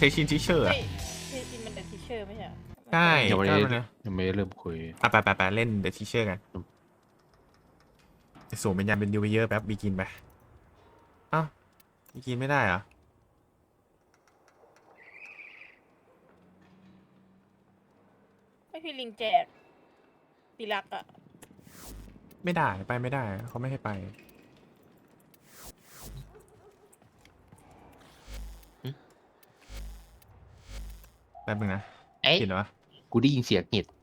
ชินทิเชอร์ไม่ที่จริงมันเป็นทีเชอร์ไม่ใช่เหรอใช่ยังไม่ก็ได้มันนะยังไม่ได้เริ่มคุยไปเล่นเดอะทิเชอร์กันสวมเป็นยามเป็นดิวเยอร์แป๊บบีกินไปอ้าวบีกินไม่ได้เหรอไม่พี่ลิงแจกปีรักอะไม่ได้ไปไม่ได้เขาไม่ให้ไปแป๊บนึงนะเอ๊ะผิดเหรอวะกูได้ยินเสียงเห็ด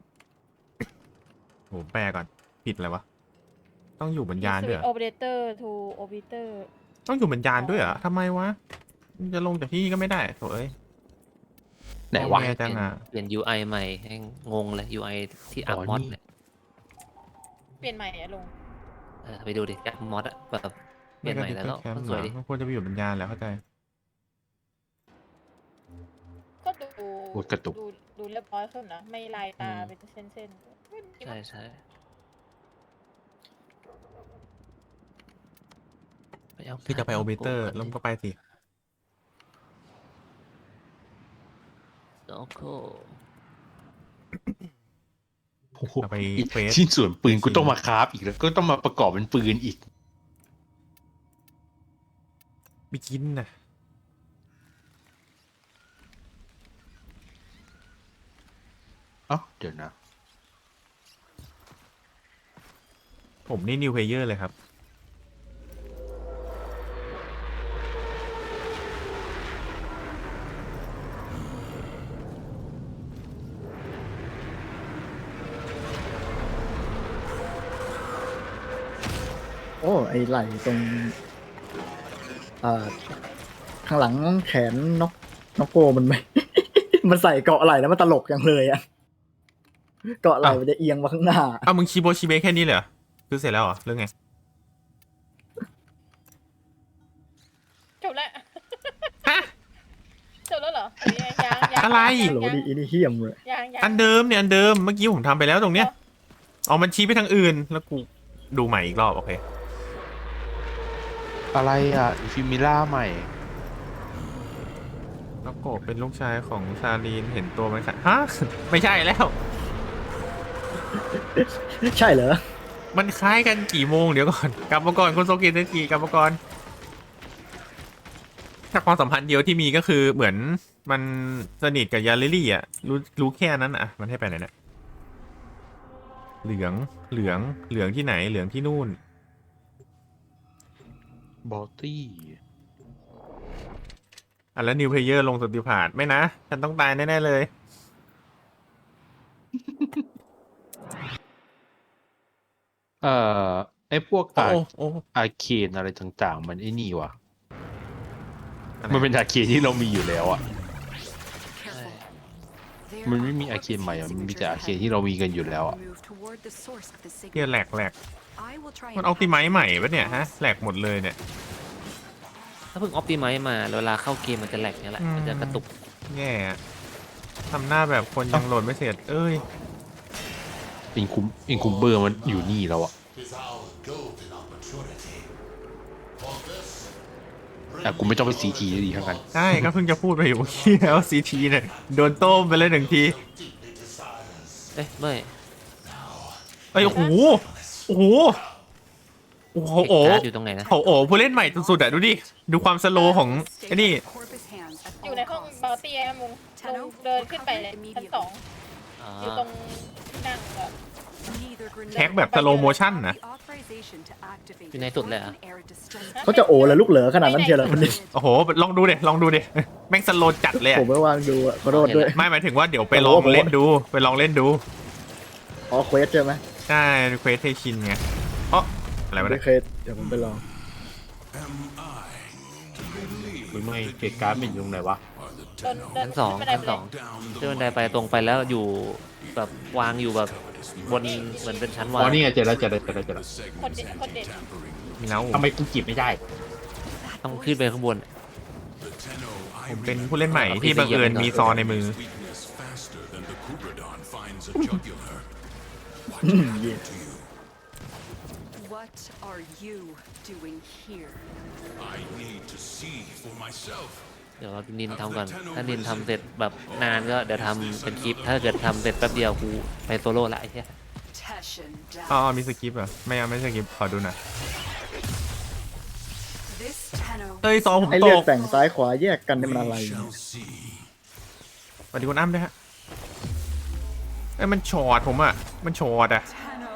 โหแปลก่อนผิดอะไรวะต้องอยู่บนยานด้วยเหรอโอเปอเรเตอร์ทูโอเปอเรเตอร์ต้องอยู่บนยานด้วยเหรอทำไมวะจะลงจากที่นี่ก็ไม่ได้โถเอ้ยไหนวะแย่จังอ่ะเปลี่ยน UI ใหม่ให้งงเลย UI ที่อัพอ๋อมอดนี่เนี่ยเปลี่ยนใหม่อะลุงไปดูดิอัพมอดอะแบบเปลี่ยนใหม่แล้วก็แคมป์สวยดิมันควรจะไปอยู่บนยานแล้วเข้าใจก็ดูโอ้ยกระตุกดูเรียบร้อยขึ้นนะไม่ลายตาเป็นเส้นๆใช่ใช่ไปเอาพี่จะไปโอเบเตอร์แล้วก็ไปสิโอเคโอ้โหเอาไปอีกเฟสชิ้นส่วนปืนกูต้องมาคราฟอีกแล้วก็ต้องมาประกอบเป็นปืนอีกบีกินนะเอ้าเดี๋ยวนะผมนี่นิวเพลเยอร์เลยครับโอ้ไอไหล่ตรงอ่าข้างหลังแขนนกโกมันไม่ มันใส่เกาะไหล่แล้วมันตลกอย่างเลยอะเกาะไหล่มันจะเอียงมาข้างหน้าอ้าวมึงชีโบชีเบแค่นี้เลยเหรอคือเสร็จแล้วเหรอเรื่องไงจบแล้วฮะจบแล้วเหรอหรือยังอะไรโหลดีอินี่เฮี้ยมเลยยังอันเดิมเนี่ยอันเดิมเมื่อกี้ผมทำไปแล้วตรงเนี้ยเอามันชี้ไปทางอื่นแล้วกูดูใหม่อีกรอบโอเคอะไรอ่ะฟิมิล่าใหม่แล้วโกะเป็นลูกชายของซาลีนเห็นตัวมันค่ะฮะ ไม่ใช่แล้วใช่เหรอมันคล้ายกันกี่โมงเดี๋ยวก่อน กลับมาก่อนคุณโซกิเซกิกลับมาก่อนถ้าความสัมพันธ์เดียวที่มีก็คือเหมือนมันสนิทกับยาลิลี่อ่ะรู้แค่นั้นอ่ะมันให้ไปไหนเนี่ยเหลืองที่ไหนเหลืองที่นู่นบอลตี้อ่ะแล้วนิวเพลเยอร์ลงสติพาดไม่นะ ฉันต้องตายแน่ ๆ เลยไอ้พวกโอ้โอ้อาร์เคนอะไรต่างๆ มันไอ้นี่วะอะไรมันเป็นอาร์เคนที่เรามีอยู่แล้วอ่ะใช่มันไม่มีอาร์เคนใหม่อะมันมีแต่อาร์เคนที่เรามีกันอยู่แล้วอ่ะเฮียแหลกมันออปติไมซ์ใหม่ปะเนี่ยฮะแหลกหมดเลยเนี่ยถ้าเพิ่งออปติไมซ์มาเวลาเข้าเกมมันจะแหลกเนี่ยแหละ มันจะกระตุกแย่อะทำหน้าแบบคนยังโหลดไม่เสร็จ เอ้ยอินคุมเบอร์มันอยู่นี่แล้วอ่ะแต่กูไม่ต้องไปซีทีดีทั้งนั้นใช่ก็เพิ่งจะพูดไปอยู่เมื่อกี้แล้วซีทีเนี่ยโดนโต้มไปเลยหนึ่งทีเอ้ยไม่เอ้ยโอ้โหโอ้โหโอ้โหเอกการ์ดอยู่ตรงไหนนะโอ้โหผู้เล่นใหม่สุดๆอ่ะดูดิดูความสโลว์ของไอ้นี่อยู่ในห้องบาร์ตี้แอมลุงเดินขึ้นไปเลยชั้น 2อยู่ตรงที่นั่งแบบแท็กแบบสโลโมชั่นนะอยู่ในสุดเลยเหรอเขาจะโอ้แล้วลูกเหลือขนาดนั้นเชียวเหรอคนนี้โอ้โหลองดูเดแม่งสโลว์จัดเลยอะผมไม่วางดูอะขอโทษด้วยไม่หมายถึงว่าเดี๋ยวไปลองเล่นดูไปลองเล่นดูอ๋อเควสใช่ไหมใช่เควสเทชินไงเอ๋ออะไรวะไม่เนี่ยเคยเดี๋ยวผมไปลองมึงไม่เกตการ์ดมันอยู่ตรงไหนวะเดินชั้นสองขึ้นบันไดชั้นไปสเลอย งเดินได้ไปตรงไปแล้วอยู่แบบวางอยู่แบบบนเหมือนเป็นชั้นอ๋วางอนี่ไงเจอแล้วคนเด็ดมีแล้วทำไมกูจีบไม่ได้ต้องขึ้นไปข้างบนผมเป็นผู้เล่นใหม่ที่บังเอิญมีซอในมือเย่ What are you doing here? I need to see for myself. เดี๋ยวนินทำก่อนถ้านินทำเสร็จแบบนานก็เดี๋ยวทำเป็นคลิป ถ้าเกิดทำเสร็จแป๊บเดียวกูไปโซโล่ละไอ้เหี้ยอ๋อมีสกิปเหรอไม่ใช่สกิปขอดูหน่อยเฮ้ยซอผมไอ้ตเลือดกแบ่งซ้ายขวาแยกกันนี่มันอะไรเนี่ยสวัสดีคุณอ้ำด้วยฮะเอ้ยมันช็อตผมอ่ะมันช็อตอ่ะ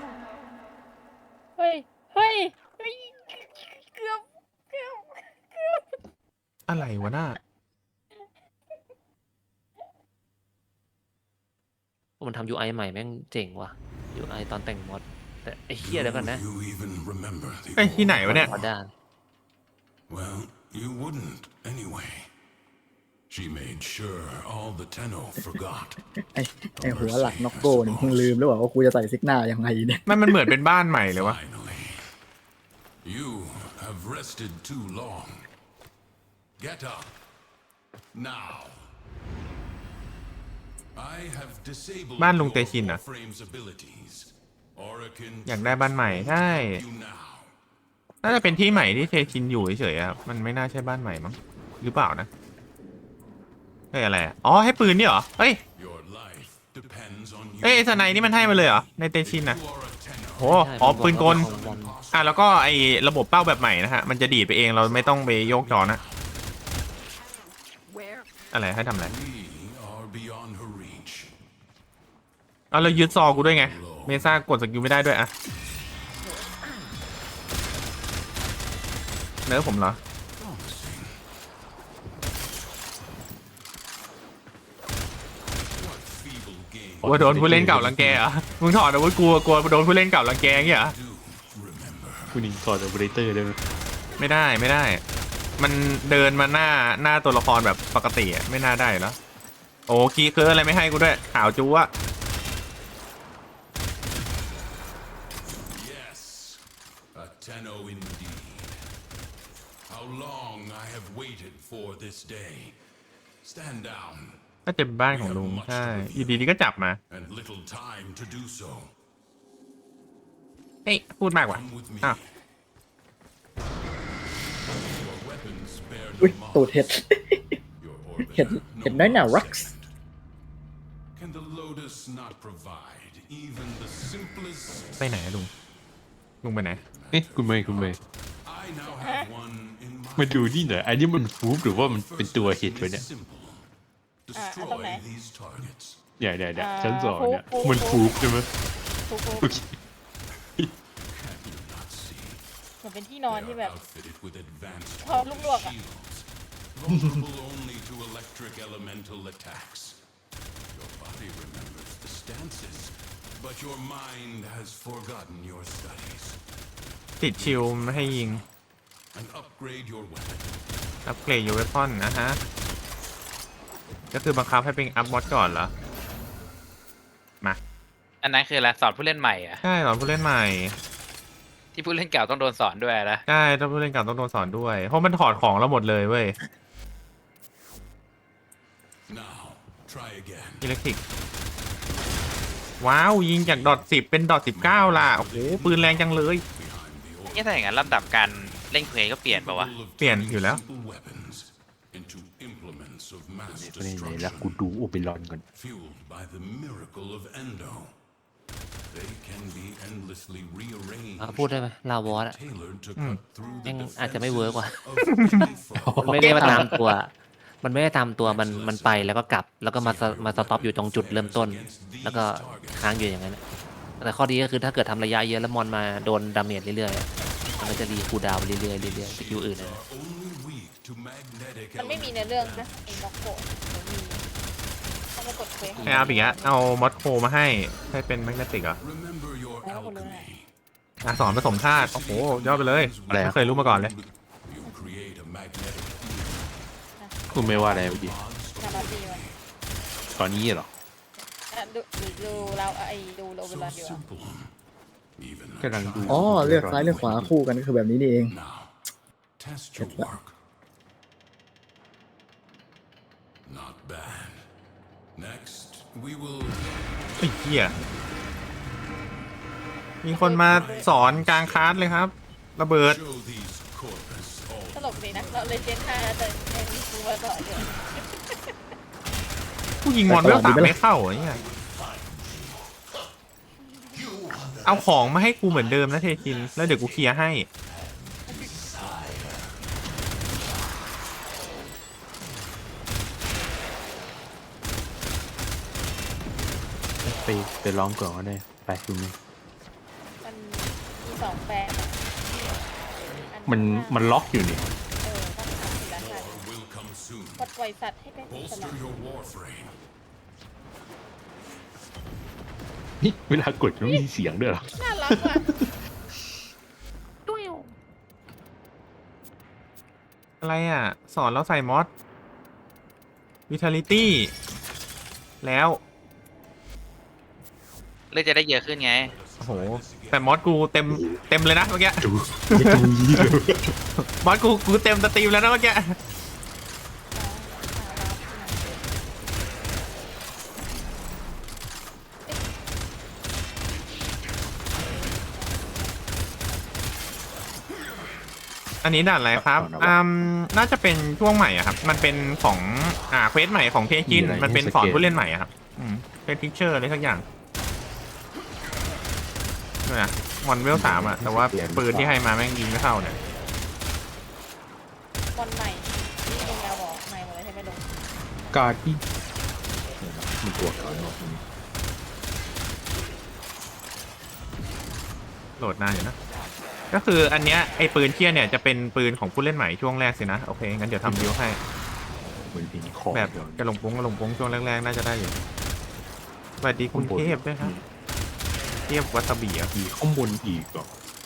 เฮ้ยเฮ้ยเฮ้ยเกือบอะไรวะน่ามันทำ UI ใหม่แม่งเจ๋งว่ะ UI ตอนแต่งมอดแต่ไอ้เหี้ยเดี๋ยวก่อนนะไอ้ยที่ไหนวะเนี่ยขอด้าน Well, you wouldn't anyway. She made sure all the Tenno forgot. ไอ้หัวหลักน็อกโก้เนี่ยมึงลืมหรือเปล่าว่ากูจะใส่ซิกหน้ายังไงเนี่ยมันเหมือนเป็นบ้านใหม่เลยวะ Finally, you have rested too long. Get up now. I have disabled บ้านลุงเตชินเหรอ your frame's abilities. Orokin อยากได้บ้านใหม่ใช่ you now. น่าจะเป็นที่ใหม่ที่เทชินอยู่เฉยๆครับมันไม่น่าใช่บ้านใหม่มั้งหรือเปล่านะเฮ้ยอะไรอะอ๋อให้ปืนนี่เหรอเฮ้ย Your life depends on you. เอ้ยไอ้สไนนี่มันให้มาเลยเหรอในเตชินนะ You are a Tenno. โหอ๋อปืนกลอ่ะแล้วก็ไอ้ระบบเป้าแบบใหม่นะฮะมันจะดีดไปเองเราไม่ต้องไปโยกจอนะอะไรให้ทำอะไร We are beyond her reach. เอาเรายึดซอกูด้วยไงเมซ่ากดสกิลไม่ได้ด้วยอะเนื้อผมเหรอ What feeble game กลัวโดนผู้เล่นเก่ารังแกเหรอ่ะมึงถอดอาวุธกลัวโดนผู้เล่นเก่ารังแกเงี้ยเหรอ do remember? คุณนิงก่อนโอเปอเรเตอร์ได้ไหมไม่ได้ มันเดินมาหน้าตัวละครแบบปกติอะไม่น่าได้แล้วโอ้คีย์เคิร์ดอะไรไม่ให้กูด้วยข่าวจูอะ Yes, a Tenno indeed. How long I have waited for this day. Stand down, ก็จะเป็นบ้านของลุงใช่อยู่ดีๆก็จับมา and little time to do so. เฮ้ยพูดมากว่ะ Come with me. อ้าว Your weapons bear อุ้ย no ตูดเห็ด marks. Your เห็ด orbiter เห็ด no น้อยหนา more รักส์ stagnant. Can the Lotus not provide even the simplest? ไปไหนอะลุงไปไหนเอ๊ะคุณเมย์ I now have one in มา mind. ดูนี่หน่อยอันนี้มันฟูฟหรือว่ามันเป็นตัวเห็ดวะเนี่ย Simple. ตรง Destroy ไหน these targets. เนี่ยชั้นสองเนี่ยฟูฟมันฟูฟใช่ไหมฟูฟูโอเค Do not see. เหมือนเป็นที่นอน They ที่ are แบบ outfitted with advanced พอลูกลวกอะ shields, vulnerable only to electric elemental attacks. Your body remembers the stances, but your mind has forgotten your studies. ติดชิลไม่ให้ยิง And upgrade your weapon. อัปเกรดยูเวพอนนะฮะก็คือบังคับให้เป็นอัพมอดก่อนเหรอมาอันนั้นคืออะไรสอนผู้เล่นใหม่อะใช่สอนผู้เล่นใหม่ที่ผู้เล่นเก่าต้องโดนสอนด้วยนะใช่ถ้าผู้เล่นเก่าต้องโดนสอนด้วยเพราะมันถอดของเราหมดเลยเว้ย Now, try again. อิเล็กทริกว้าวยิงจาก.10เป็น.19ล่ะโอ้โหปืนแรงจังเลย Behind the นี่ถ้าอย่างนั้นลำดับการเล่นเพลงก็เปลี่ยนป่าวะ orbital of เปลี่ยน turning อยู่แล้ว simple weapons into implements of mass ไหนๆแล้ว destruction. กูดูโอเปรอนก่อน Fueled by the miracle of Endo. They can be endlessly rearranged, พูดได้ไหมลาวอสอะ tailored to cut through แม่ the งอาจจะไม่เวิร์กว่ะ defenses of มันไม่ได้มาตามตัว มันไม่ได้ตามตัวมันไปแล้วก็กลับ แล้วก็มาสต็อปอยู่ตรงจุดเริ่มต้น แล้วก็ค้างอยู่อย่างนั้นอะแต่ข้อดีก็คือถ้าเกิดทำระยะเยอะแล้วมอนมาโดนดาเมจเรื่อยๆอะมันก็จะรีคูลดาวน์เรื่อยๆสกิลอื่นนะ only weak to magnetic มันไม่มีในเรื่องนะไอ้น็อกโกะมันมีต้องไปกดเควสให้อัพอีกแล้วเอามอสโคมาให้เป็นแมกเนติกเหรอ Remember your alchemy. สอนผสมธาตุโอ้โหยอดไปเลยอะไรอะไม่เคยรู้มาก่อนเลย You create a magnetic คุณไม่ว่าอะไรเมื่อกี้นาบาตีมันตอนนี้เหรอดูเราดูโรเวลาดีกว่า simple. Even กำลังดูอ๋อเลือกซ้ายเลือกขวาคู่กันก็คือแบบนี้นี่เอง now, test your work. Not bad. Next, we will ไอ้เหี้ยมีคนมาสอนกลางคลาสเลยครับ ระเบิด show these corpus all ตลกเลยนะเราเลยเจน5แต่ยังมีกูมาต่ออยู่กูยิงมอนเวล3ไม่เข้าอ่ะเนี่ยเอาของมาให้กูเหมือนเดิมนะเทคินแล้วเดี๋ยวกูเคลียร์ให้ไปร้องก่อนก็ได้ไปดูนี่มันมี2แบบอะอัมันล็อกอยู่นี่ต้องทำทีละขั้น Will come soon. ปลดปล่อยสัตว์ให้เป็นอิสระ Bolster your warframe. นี่เวลากดมันมีเสียงด้วยเหรอน่ารักว่ะอะไรอ่ะ สอนเราใส่มอส Vitality แล้วเลือดจะได้เยอะขึ้นไงโอ้โห แต่มอสกูเต็มเลยนะเมื่อกี้ดูไม่ตรงนี้เลยมอสกูเต็มสตรีมแล้วนะเมื่อกี้ อันนี้ด่านอะไรครับน่าจะเป็นช่วงใหม่อะครับ มันเป็นของเควสใหม่ของเทคิน มันเป็นสอนผู้เล่นใหม่อะครับเป็นพิกเจอร์อะไรสักอย่างนี่นะมอนเวล3อะแต่ว่าปืนที่ให้มาแม่งยิงไม่เข้าเนี่ยบอลใหม่ที่ลุงยาวบอกใหม่หมดเลยใช่ไหมลุงการที่มันตัวเขาเนาะโหลดนานอยู่นะ ก็คืออันเนี้ยไอ้ปืนเที่ยเนี่ยจะเป็นปืนของผู้เล่นใหม่ช่วงแรกสินะ โอเค งั้นเดี๋ยวทำบิวให้เหมือนเป็นของแบบกระหลงปุ้งช่วงแรกๆน่าจะได้อยู่สวัสดีคุณเทพด้วยครับเทพวัตบีอ่ะมีข้างบนอีกเหรอ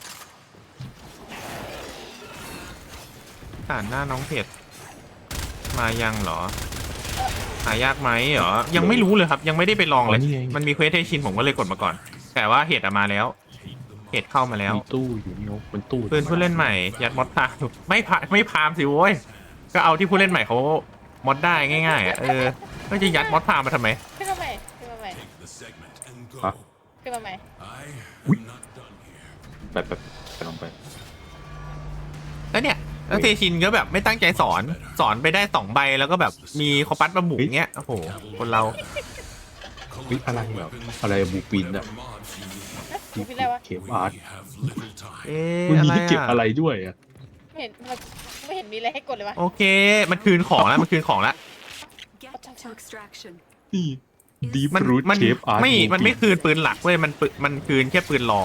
ด่านหน้าน้องเพจมายังเหรอ หายากไหมเหรอ ยังไม่รู้เลยครับ ยังไม่ได้ไปลองเลย มันมีเควสให้ชินผมก็เลยกดมาก่อน แต่ว่าเหตุมาแล้ว เหตุเข้ามาแล้วมีตู้อยู่นี่มันตู้ปืนผู้เล่นใหม่ ยัดมอดพามไม่พามสิโว้ย ก็เอาที่ผู้เล่นใหม่เขามอดได้ง่ายๆอ่ะก็จะยัดมอดพามมาทำไมขึ้นมาใหม่ขึ้นมาใหม่ Take the segment and go. ขึ้นมาใหม่ I am not done here. แบบไปลองไปแล้วเนี่ยแล้วเทชินก็แบบไม่ตั้งใจสอนไปได้2 ใบแล้วก็แบบมีคอปัสมาบุกเงี้ยโอ้โหคนเราวิอะไรแบบอะไรบูปินอะบูปินอะไรวะเคฟอาร์ต We have little time. มันอะมีไรให้เก็บอ่ะอะไรด้วยอะไม่เห็นมีอะไรให้กดเลยวะโอเค มันคืนของแล้ว มันคืนของแล้ว Get to extraction. นี่ดีมันรูทมันเคฟอาร์ตมันไม่คืนปืนหลักเว้ย มันคืนแค่ปืนรอง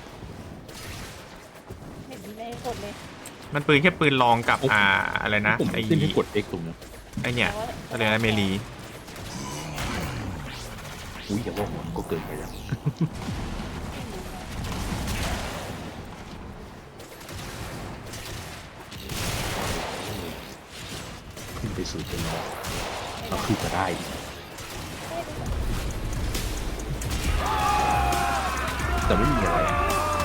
ไม่เห็นมีอะไรให้กดเลยมันปืนแค่ปืนรองกับอะไรนะผมไอ้ขึ้นให้กด X ตรงนี้ไอ้เนี่ยอะไรนะเมลีอุ้ยอย่าว่าผมก็เกินไปแล้วขึ้นไปสู่เป็นรองก็คือจะได้อีกแต่ไม่มีอะไรอะ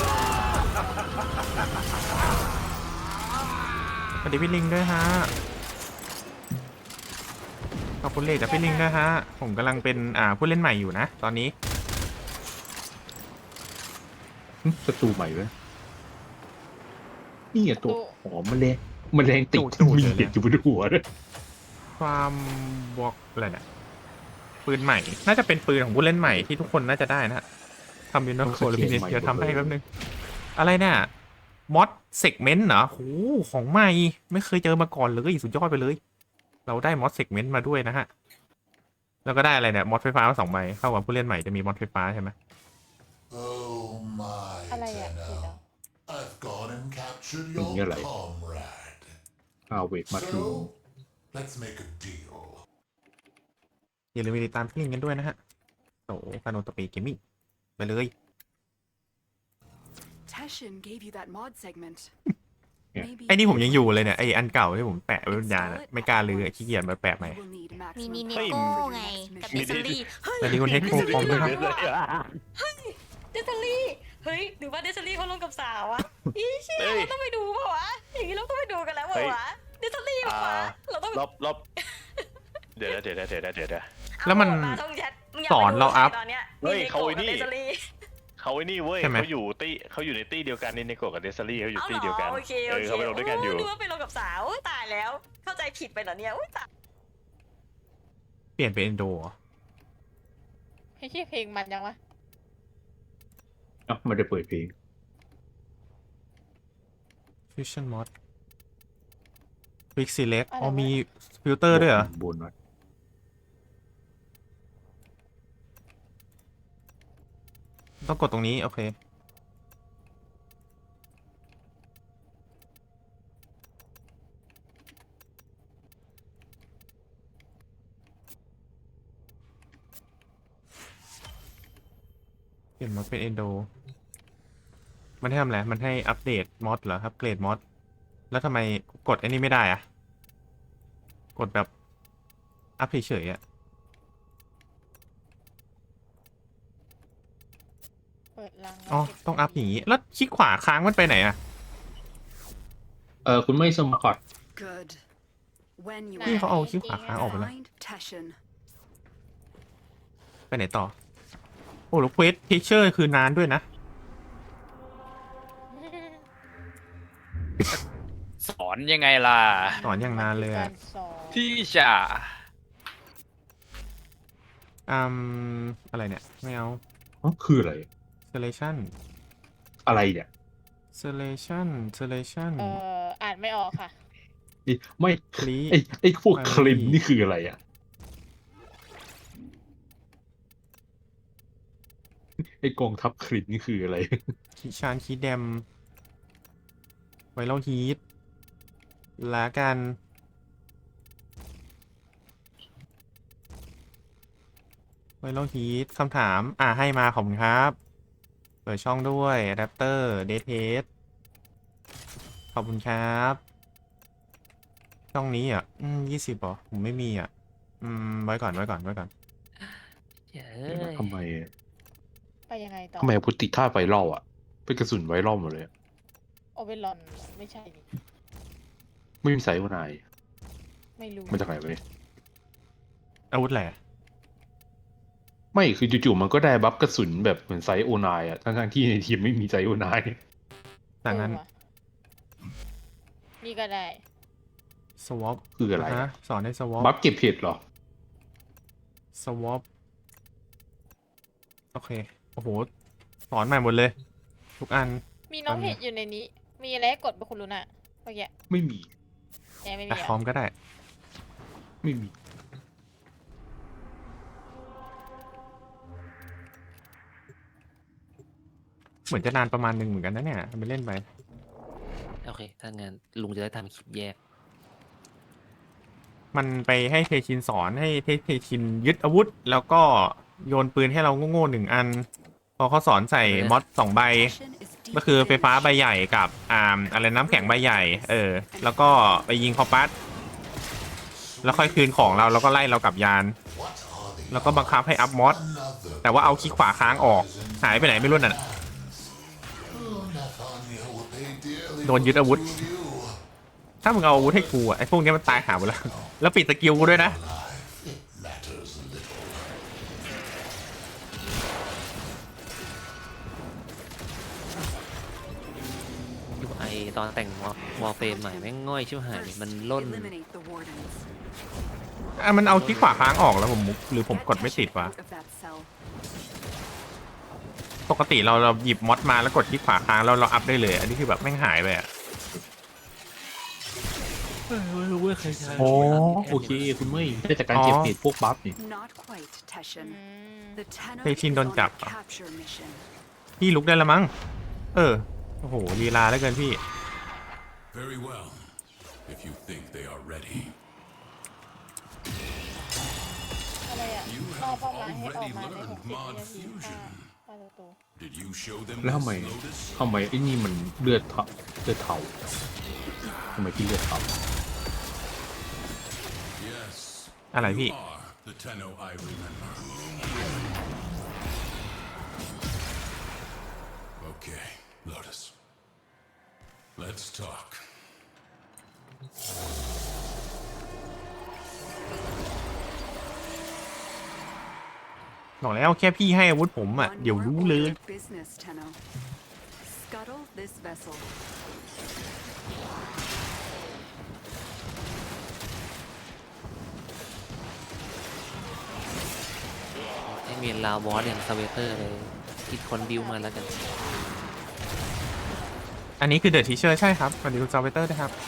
สวัสดีพี่ลิงด้วยฮะ ขอบคุณเลขจากพี่ลิงด้วยฮะ ผมกำลังเป็นผู้เล่นใหม่อยู่นะ ตอนนี้ประตูใหม่ไหมนี่อะตัวหอมแมลงติดจู่ๆมีเลยนะเห็ดอยู่บนหัวเลยความบล็อกอะไรเนี่ยปืนใหม่ น่าจะเป็นปืนของผู้เล่นใหม่ที่ทุกคนน่าจะได้นะฮะทำยูนิโคลพินิสเดี๋ยวทำให้แป๊บนึง อะไรเนี่ยมอดเซกเมนต์เหรอโหของใหม่ ไม่เคยเจอมาก่อนเลยสุดยอดไปเลย เราได้มอดเซกเมนต์มาด้วยนะฮะ แล้วก็ได้อะไรเนี่ยมอดไฟฟ้ามา2 ใบเข้ากับผู้เล่นใหม่จะมีมอดไฟฟ้าใช่ไหม Oh my อะไรอ่ะ Tenno. ผิดเหรอ I've gone and captured Yeah, your like- comrade. เวทมาทู So, let's make a deal. อย่าลืมไปติดตามพี่ลิงกันด้วยนะฮะโอ้ฟานโนตปีเกมมิ่งไปเลย Teshin gave you that mod segment. Yeah. Maybe ไอ้นี่ผมยังอยู่เลยเนี่ยไอ้อันเก่าที่ผมแปะไว้บนยานอะไม่กล้าลือขี้เกียจมาแปะใหม่ you will need มี maximum นิเน power โก้ for your ไง next กับ mission. เดซลี่สวัสดีคุณเทคโคคอมด้วยครับเดซลี่เฮ้ยหรือว่าเดซลี่เขาลงกับสาวอะอีเชี่ยเราต้องไปดูเปล่าวะอย่างนี้เราต้องไปดูกันแล้วเปล่าวะเดซลี่เปล่าวะเราต้องรอบเดี๋ยวแล้วมันเอามาต้องยัดมึงยากสอนเราอัพไปดูใคตอนเนี้ยเฮ้ยเขาไอ้นี่เดซลี่เขาไอ้นี่เว้ยใช่ไหมเขาอยู่ในตี้เดียวกันในโกะกับเดซารี่เขาอยู่เอาเหรตี้เดียวกันอโอเคโอเคเขาไปลงด้วยกันอยู่นึกว่าไปลงกับสาวอุ๊ยตายแล้ว เข้าใจผิดไปเหรอเนี่ยอุ๊ยตายเปลี่ยนเป็นเอนโดเหรอให้ชื่อเพลงมันยังวะเอ้าไม่ได้เปิดเพลง Fusion Mod Quick Select อ๋อมีฟิลเตอร์ด้วยเหรอบนหน่อยต้องกดตรงนี้ โอเค เปลี่ยนมอดเป็นเอนโด มันให้ทำอะไร มันให้อัปเดตมอดเหรอครับ เกรดมอด แล้วทำไมกดอันนี้ไม่ได้อะกดแบบอัพเฉยๆอะเปิดรังอ๋อ ต้องอัพอย่างนี้ แล้วคลิกขวาค้างมันไปไหนอะคุณไม่สมัคร Good. When you นี่ are เขาเอาคลิกขวาค้างออกไปแล้ว find Teshin. ไปไหนต่อ โอ้แล้วเควสเทเชอร์คือนานด้วยนะสอนยังไงล่ะสอนอย่างนานเลยกาอะรสอนที่จะอะไรเนี่ย ไม่เอาอ๋อคืออะไร selection อะไรเนี่ย selection อ่านไม่ออกค่ะไม่คลีไอ้พวกคลินนี่คืออะไรอ่ะไอ้กองทัพคลินนี่คืออะไรคีชานคีแดมไวรัลฮีทและกันไวรัลฮีทคำถามให้มาขอบคุณครับ เปิดช่องด้วยอะแดปเตอร์เดทเทสขอบคุณครับ ช่องนี้อ่ะ20เหรอผมไม่มีอ่ะไว้ก่อนเย้ยทำไมไปยังไงต่อทำไมพุทธิท่าไวรัลอ่ะ เป็นกระสุนไวรัลหมดเลยอะโอเวอร์ลอนไม่ใช่ดิไม่มีไซส์วานายไม่รู้มาจากไหนวะเนี่ยอาวุธแหละไม่คือจู่ๆมันก็ได้บัฟกระสุนแบบเหมือนไซส์โอนายอ่ะทั้งๆที่ในทีมไม่มีไซส์โอนายจากนั้นว่ะนี่ก็ได้ swap คืออะไรฮะสอนให้ swap บัฟเก็บเห็ดเหรอ swap โอเค โอ้โห สอนใหม่หมดเลย ทุกอันมีน้องเห็ดอยู่ในนี้ มีอะไรให้กดไปคุณลุน่ะเมื่อกี้ไม่มีแไม่มีอ่ะเหรพร้อมก็ได้ไม่มีเหมือนจะนานประมาณหนึ่งเหมือนกันนะเนี่ยทำไปเล่นไปโอเค ถ้างั้นลุงจะได้ทำคลิปแยกมันไปให้เทชินสอนให้เทชินยึดอาวุธ แล้วก็โยนปืนให้เราโง่ๆ1 อัน พอเขาสอนใส่มอด2 ใบ Teshin is ก็คือ deep ไฟฟ้าใบใหญ่กับอะไรน้ำแข็งใบใหญ่ แล้วก็ไปยิงคอปัสแล้วค่อยคืนของเราแล้วก็ไล่เรากลับยาน What are the แล้วก็บังคับให้อัพมอด another แต่ว่าเอาคลิกขวาค้างออก หายไปไหนไม่รู้น่ะ Oh, Nathania will pay dearly โดนยึดอาวุธ for you. ถ้ามึงเอาอาวุธให้กูไอ้พวกนี้มันตายหาหมดแล้ว แล้วปิดสกิลกูด้วยนะ It matters little. ดูไอตอนแต่งวอลเฟรมใหม่แม่งง่อยชิบหายเลยมันล่น eliminate the wardens. มันเอาคลิกขวาค้างออกแล้วผมหรือผมกดไม่ติดวะ Out of that cell. ปกติเราหยิบมอดมาแล้วกดคลิกขวาค้างแล้วเราอัพได้เลย อันนี้คือแบบแม่งหายไปอ่ะอ๋อโอเค คุณไม่ได้จากการเก็บเห็ดพวกบัฟนี่ Not quite, Teshin. อืม The Tenno Teshin is โดน on จับ a เหรอ capture mission. พี่ลุกได้แล้วมั้ง โอ้โหลีลาแล้วเกินพี่ Very well. If you think they are ready. อะไรอ่ะ You รอ have เป้าหมายให้ออก already มาใน learned 60 mod นาที fusion. ป้าประตู Did you show them แล้วทำ this, ไม Lotus? ไอ้นี่มันเลือดเทาทำไมที่เลือดเทา Yes. อะไรพี่ You are the Tenno I remember. Okay, Lotus. Let's talk. บอกแล้วแค่พี่ให้อาวุธผมอ่ะ On เดี๋ยว your รู้เลย ultimate business, Tenno. Scuttle this vessel. ให้มีลาวอสอย่างสเวเตอร์เลยคิดคนบิวมาแล้วกันอันนี้คือเดอะทีเชอร์ใช่ครับสวัสดีคุณซาวเวเตอร์นะครับ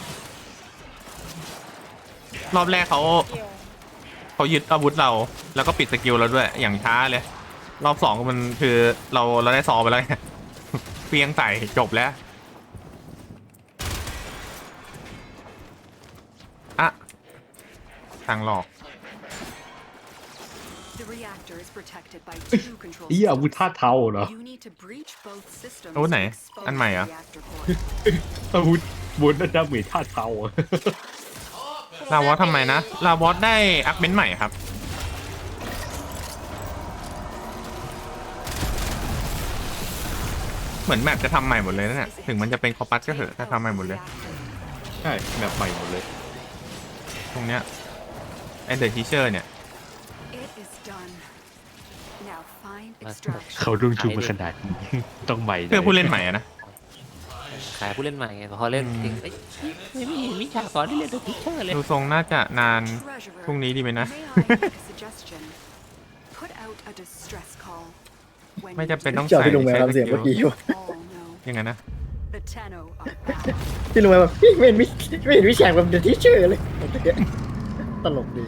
รอบแรกเขาเกี่ยวยึดอาวุธเราแล้วก็ปิดสกิลเราด้วยอย่างช้าเลย รอบสองมันคือเราได้ซอไปแล้วไง เปียงใส่จบแล้วอะทางหลอก The reactor is protected by two control ไอ้อาวุธ systems. ท่าเทาเหรอ You need to breach both systems อาวุธไหน to expose อันใหม่เหรอ the reactor core. อาวุธบนดาเมจท่าเทาอะลาวอสทำไมนะ ลาวอสได้อัพเมนต์ใหม่ครับ เหมือนแมปจะทำใหม่หมดเลยนะเนี่ยถึงมันจะเป็นคอปัสก็เถอะถ้าทำใหม่หมดเลยใช่แบบใหม่หมดเลยตรงเนี้ยไอเดอะทีเชอร์เนี่ย It is done. Now find Mas- extraction. เขารุ่งชูมาขนาดนี้ ต้องใหม่เพื่อผู้เล่นใหม่อะนะขายผู้เล่นใหม่ไงพอเล่นจริงเอ้ยไม่มีวิชาสอนที่เรียนตัวทิเชอร์เลยดูทรงน่าจะนาน Treasurer, พรุ่งนี้ดีไหมนะ may I make a suggestion? Put out a distress call. When ไม่ you จำเป็น do, ต้องเจ้าใส่พี่ลุงแมวใช้ทำเสียงสเมื่อกิกี้ลอยู่ all know ยังไงนะ the Tenno are back. พี่ลุงแมวแบบพี่ไม่เห็นวิแชร์แบบเดอะทีเชอร์เลยตลกดี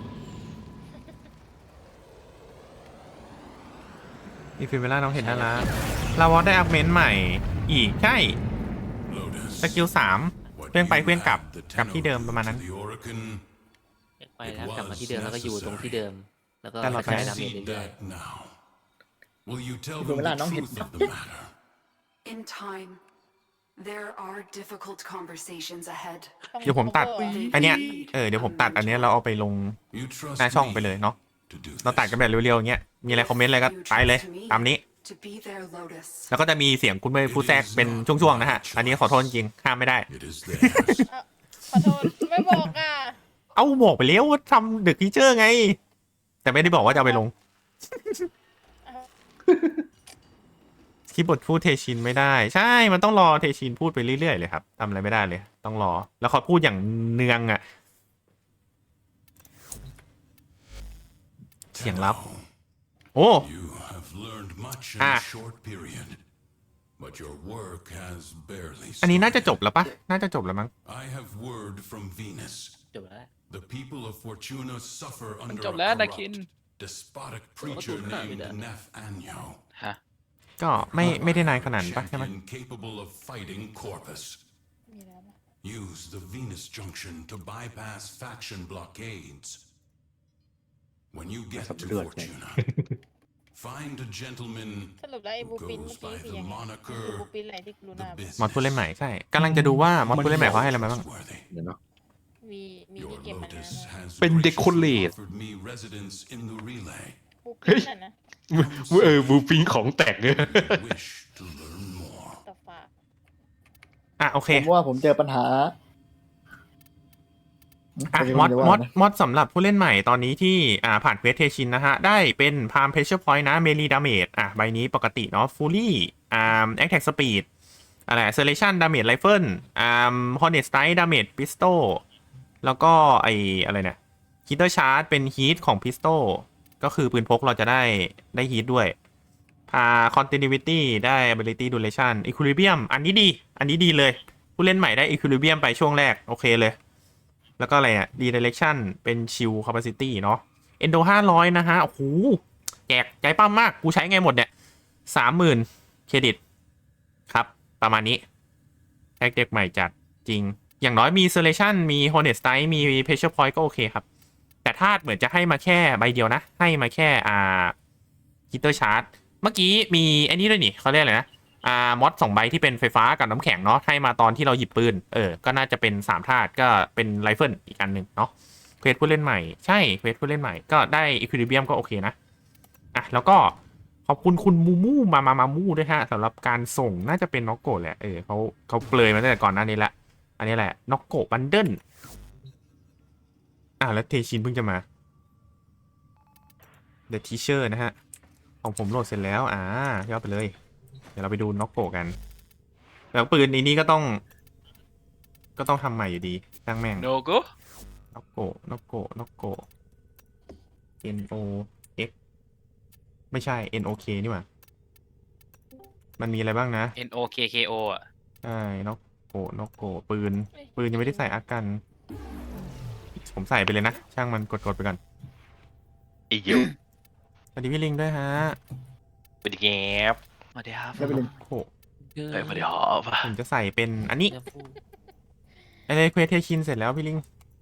อีฟิเมล่าน้องเห็นน่ารักลาวอสได้อัพเมนต์ใหม่อีกใช่ Lotus, สกิล3 what เครื่องไป you เครื่องกลับ had, the กลับที่เดิม Tenno ประมาณนั้น to the Orokin, ไปแล้วกลับมาที่เดิมแล้วก็อยู่ตรงที่เดิม แล้วก็แต่กเราระไปจายดาเมจ see เรื่อย that now. Will you tell Ibu them Mela, the nong truth hit- of the matter? In time, there are difficult conversations ahead. เดี๋ยวผมตัด อันเนี้ยเดี๋ยวผมตัดอันเนี้ยเราเอาไปลง You trust หน้าช่อง me ไปเลยเนาะ to do เราตัด this. กันแบบเร็วๆอย่างเงี้ยมีอะไรคอมเมนต์อะไรก็ You ไปเลย trust me ตามนี้ to be their Lotus. แล้วก็จะมีเสียงคุณเมย์พูดแทรกเป็นช่วงๆนะฮะ อันนี้ขอโทษจริงห้ามไม่ได้ It is theirs. ขอโทษไม่บอกอ่ะเอาบอกไปแล้วว่าทำเดอะทีเชอร์ไง แต่ไม่ได้บอกว่าจะเอาไปลง คีย์บอร์ดพูดเทชินไม่ได้ ใช่ มันต้องรอเทชินพูดไปเรื่อยๆเลยครับทำอะไรไม่ได้เลย ต้องรอ แล้วเขาพูดอย่างเนืองอ่ะ เสียงลับ โอ้ You have learned much in Ah. a short period, but your work has barely อันนี้น่าจะ started. จบแล้วปะน่าจะจบแล้วมั้ง I have word from Venus. ๆจบแล้ว The people of Fortuna suffer มัน under จ a บแล้วนาคิน corrupt, despotic preacher tuh, named beda. Nef Anyo. ฮะก็ไม่ได้นานขนาดนั้นปะใช่ไหม Champion capable of fighting Corpus. มีแล้วนะ Use the Venus Junction to bypass faction blockades. When you get to Lượt này. Fortuna, find a gentleman สรุปแล้วไอ้ who บูปิน goes เมื่อ by กี้คือ the ยังไงคือ moniker บูปินไหนที่ลู the น่ามอดผู้เล่น business. ใหม่ใช่กำลังจะดูว่ามอดผู้เล่นใหม่เขาให้อะไรมาบ้าง Trustworthy. เดี๋ยวเนาะมี Your ที่เก็บมันนะ Lotus has เป็น decorate graciously offered me residence in the relay. บูปินน่ะนะบูปิงของแตกเลย Wish to learn more. ต่อฝากอ่ะโอเคผมว่าผมเจอปัญหาอ่ะไรู้มอดจะว่ามอดนะมอดสำหรับผู้เล่นใหม่ตอนนี้ที่ผ่านเควสเทชินนะฮะ ได้เป็นพามเพชเชอร์พอยต์นะเมลีดาเมจใบนี้ปกติเนาะฟูลี่แอคแท็กสปีดอะไรเซเลชันดาเมจไรเฟิลฮอร์เนสไตดาเมจพิสโตแล้วก็อะไรเนี่ยฮิตเตอร์ชาร์จเป็นฮีทของพิสโตก็คือปืนพกเราจะได้ฮีทด้วยcontinuity ได้ ability duration equilibrium อันนี้ดีเลย ผู้เล่นใหม่ได้ equilibrium ไปช่วงแรกโอเคเลย แล้วก็อะไรอ่ะ redirection เป็น shield capacity เนาะ endo 500 นะฮะ โอ้โห แจกใจปั้มมาก กูใช้ไงหมดเนี่ย 30,000 เครดิต ครับ ประมาณนี้แท็กเด็กใหม่จัดจริง อย่างน้อยมี selection มี hornet strike มี pressure point ก็โอเคครับ แต่ถ้าเหมือนจะให้มาแค่ใบเดียวนะ ให้มาแค่hitter charge เมื่อกี้มีไอ้นี่ด้วยนี่เขาเรียกอะไรนะมอด2ใบที่เป็นไฟฟ้ากับน้ำแข็งเนาะให้มาตอนที่เราหยิบปืนก็น่าจะเป็น3ธาตุก็เป็นไรเฟิลอีกอันหนึ่งเนาะเควสผู้เล่นใหม่ใช่เควสผู้เล่นใหม่ก็ได้อีควิลิเบียมก็โอเคนะอ่ะแล้วก็ขอบคุณคุณมูมูมามูด้วยฮะสำหรับการส่งน่าจะเป็นน็อกโกะแหละเขาเปลยมาตั้งแต่ก่อนหน้านี้ละอันนี้แหละน็อกโกะบันเดิลแล้วเทชินเพิ่งจะมา The Teacher นะฮะ ของผมโหลดเสร็จแล้วยอดไปเลย เดี๋ยวเราไปดูน็อกโกกันแล้วปืนนี้ก็ต้องทำใหม่อยู่ดีช่างแม่งโนโก้น็อกโก N O X ไม่ใช่ N O K นี่หว่ามันมีอะไรบ้างนะ NOKKO อ่ะใช่น็อกโกปืนยังไม่ได้ใส่อากัน ผมใส่ไปเลยนะ ช่างมันกดไปก่อนอีกอยู่สวัสดีพี่ลิงด้วยฮะเป็นแงบมาเดี๋ยวครับได้ไปเลยโอ้โหเฮ้ยมาเดี๋ยวหอบผมจะใส่เป็นอันนี้อะไรเควสเทชินเสร็จแล้วพี่ลิง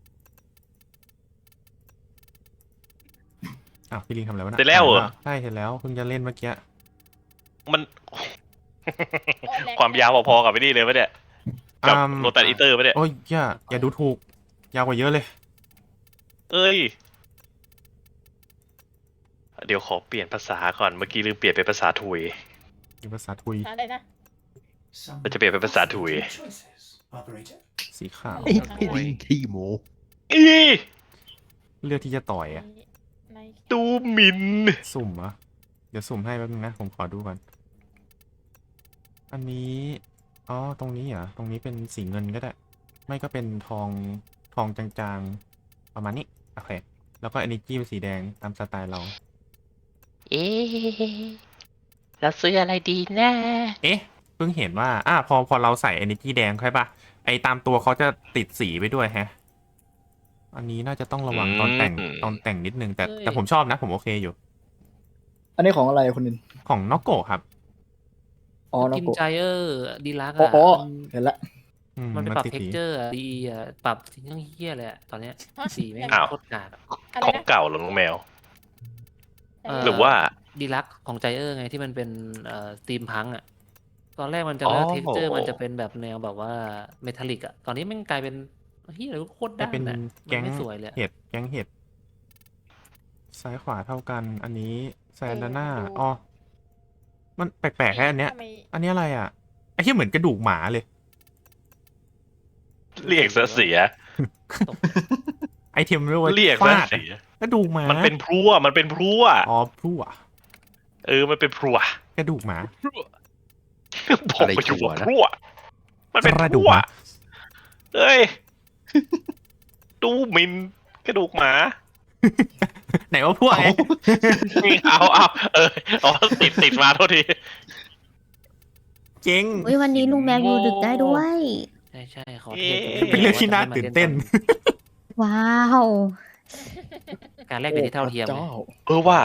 อ้าวพี่ลิงทำอะไรวะน่ะเสร็จแล้วเหรอใช่เสร็จแล้วเพิ่งจะเล่นเมื่อกี้มัน ความยาวพอๆกับไอ้นี่เลยปะเนี่ยกับโรตัสอีเตอร์ปะเนี่ยโอ้ยอย่าดูถูกยาวกว่าเยอะเลยเอ้ย เดี๋ยวขอเปลี่ยนภาษาก่อนเมื่อกี้ลืมเปลี่ยนเป็นภาษาถุยมีภาษาทุยอะไรนะมันจะเปลี่ยนเป็นภาษาถุยสีขาวไอ้พี่ลิงขี้โมอีเลือกที่จะต่อยอะในตูมินสุ่มเหรอเดี๋ยวสุ่มให้แป๊บนึงนะผมขอดูก่อนอันนี้ตรงนี้เหรอตรงนี้เป็นสีเงินก็ได้ ไม่ก็เป็นทองจางๆประมาณนี้โอเคแล้วก็ energy เป็นสีแดงตามสไตล์เราเราซื้ออะไรดีนะเอ๊ะเพิ่งเห็นว่าพอเราใส่ energy แดงใช่ปะไอตามตัวเขาจะติดสีไปด้วยแฮะ อันนี้น่าจะต้องระวังตอนแต่งนิดนึงแต่ผมชอบนะผมโอเคอยู่อันนี้ของอะไรคุณนินของน็อกโกครับอ๋อน็อกกินโกใจดีลักอ๋อ่ะอเห็นละมันไปปรับติดเท็กสีเจอร์ดีอ่ะปรับสิ่งที่เฮี้ยเลยอะตอนเนี้ยสีไม่งโคตรกากอะอะไรของนะเก่าเหรอน้องแมวเหรือว่าดีลักของใจไงที่มันเป็นสตรีมพังอ่ะตอนแรกมันจะอ๋อเท็กเจอร์มันจะเป็นแบบแนวแบบว่าเมทัลลิกอ่ะตอนนี้มันกลายเป็นเฮี้ยอะไรก็โคตรแต่ด้านเป็นอ่ะแก๊งมันไม่สวยเลยอะเห็ดแก๊งเห็ดซ้ายขวาเท่ากัน อันนี้แซนด้านหน้าดูมันแปลกๆแค่อันเนี้ยทำไมอันนี้อะไรอ่ะไอ้ที่เหมือนกระดูกหมาเลยเรียกซะเสียไอเทมเรียกว่าเรียกซะฟาดเสียกระดูกหมามันเป็นพรั่วมันเป็นพรั่วพรั่วมันเป็นพรั่วกระดูกหมาผมไปอยู่ว่าพรั่วมันเป็นกพระดูกรั่วหมาเอ้ยตูมินกระดูกหมาไหนว่าพวกไงเอาติดมาโทษทีเจ๊งวันนี้ลุงแมวอยู่ดึกได้ด้วยใช่ขอเทสเป็นเรื่องที่น่าตื่นเต้นว้าวการแลกเปลี่ยนที่เท่าเทียมเจ้าว่า